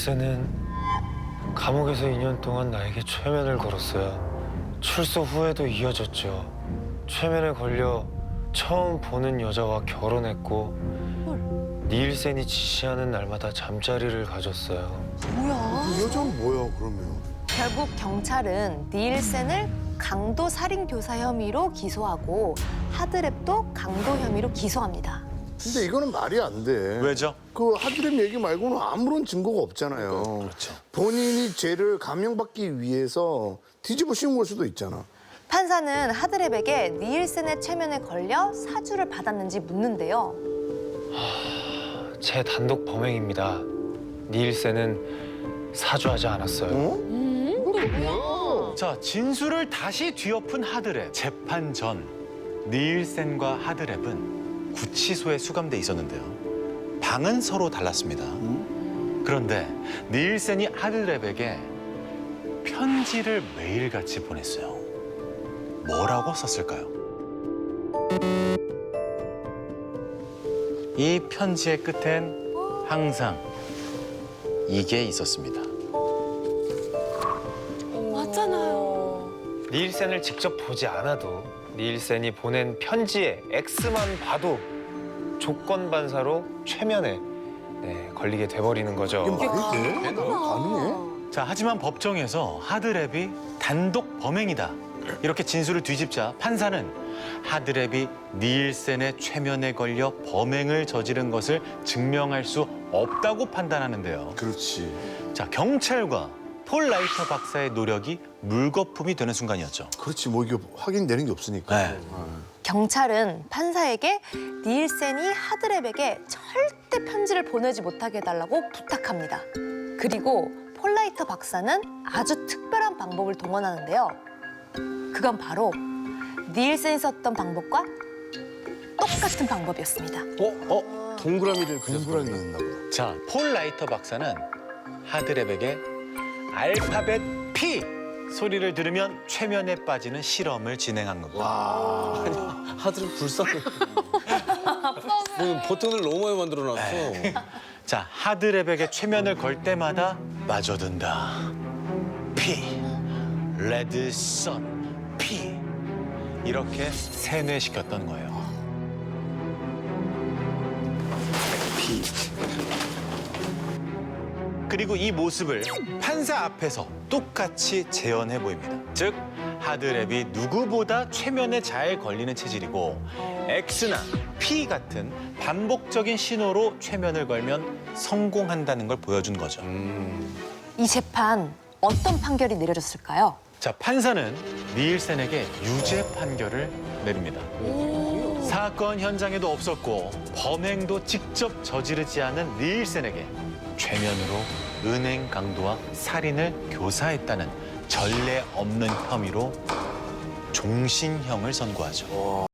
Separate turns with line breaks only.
니일센은 감옥에서 2년 동안 나에게 최면을 걸었어요. 출소 후에도 이어졌죠. 최면에 걸려 처음 보는 여자와 결혼했고 니일센이 지시하는 날마다 잠자리를 가졌어요.
이 여자는 뭐야, 그러면?
결국 경찰은 니일센을 강도 살인 교사 혐의로 기소하고 하드랩도 강도 혐의로 기소합니다.
근데 이거는 말이 안 돼.
왜죠?
그 하드랩 얘기 말고는 아무런 증거가 없잖아요.
그렇죠.
본인이 죄를 감형받기 위해서 뒤집어 씌운 걸 수도 있잖아.
판사는 하드랩에게 니일센의 최면에 걸려 사주를 받았는지 묻는데요.
제 단독 범행입니다. 니일센은 사주하지 않았어요.
이건 뭐야?
자, 진술을 다시 뒤엎은 하드랩. 재판 전 니일센과 하드랩은 구치소에 수감돼 있었는데요. 방은 서로 달랐습니다. 그런데 니일센이 하드랩에게 편지를 매일같이 보냈어요. 뭐라고 썼을까요? 이 편지의 끝엔 항상 이게 있었습니다.
맞잖아요.
니일센을 직접 보지 않아도 니일센이 보낸 편지의 X만 봐도 조건 반사로 최면에 걸리게 돼버리는 거죠.
이게 말이 돼? 가능해?
자, 하지만 법정에서 하드랩이 단독 범행이다. 이렇게 진술을 뒤집자 판사는 하드랩이 니일센의 최면에 걸려 범행을 저지른 것을 증명할 수 없다고 판단하는데요.
그렇지.
자, 경찰과 폴 라이터 박사의 노력이 물거품이 되는 순간이었죠.
그렇지, 뭐 이게 확인되는 게 없으니까.
네.
경찰은 판사에게 니일센이 하드랩에게 절대 편지를 보내지 못하게 해달라고 부탁합니다. 그리고 폴라이터 박사는 아주 특별한 방법을 동원하는데요. 그건 바로 니일센이 썼던 방법과 똑같은 방법이었습니다.
동그라미를 그려서
동그라미 있나 보다.
자, 폴 라이터 박사는 하드랩에게 알파벳 P 소리를 들으면 최면에 빠지는 실험을 진행한 겁니다.
하드를 불쌍해. 뭐 버튼을 너무 많이 만들어놨어.
자, 하드랩에게 최면을 걸 때마다 빠져든다. P, 레드 선, P 이렇게 세뇌시켰던 거예요.
피.
그리고 이 모습을 판사 앞에서 똑같이 재현해 보입니다. 즉, 하드랩이 누구보다 최면에 잘 걸리는 체질이고 X나 P 같은 반복적인 신호로 최면을 걸면 성공한다는 걸 보여준 거죠.
이 재판 어떤 판결이 내려졌을까요?
자, 판사는 니일센에게 유죄 판결을 내립니다. 사건 현장에도 없었고 범행도 직접 저지르지 않은 니일센에게 최면으로 은행 강도와 살인을 교사했다는 전례 없는 혐의로 종신형을 선고하죠.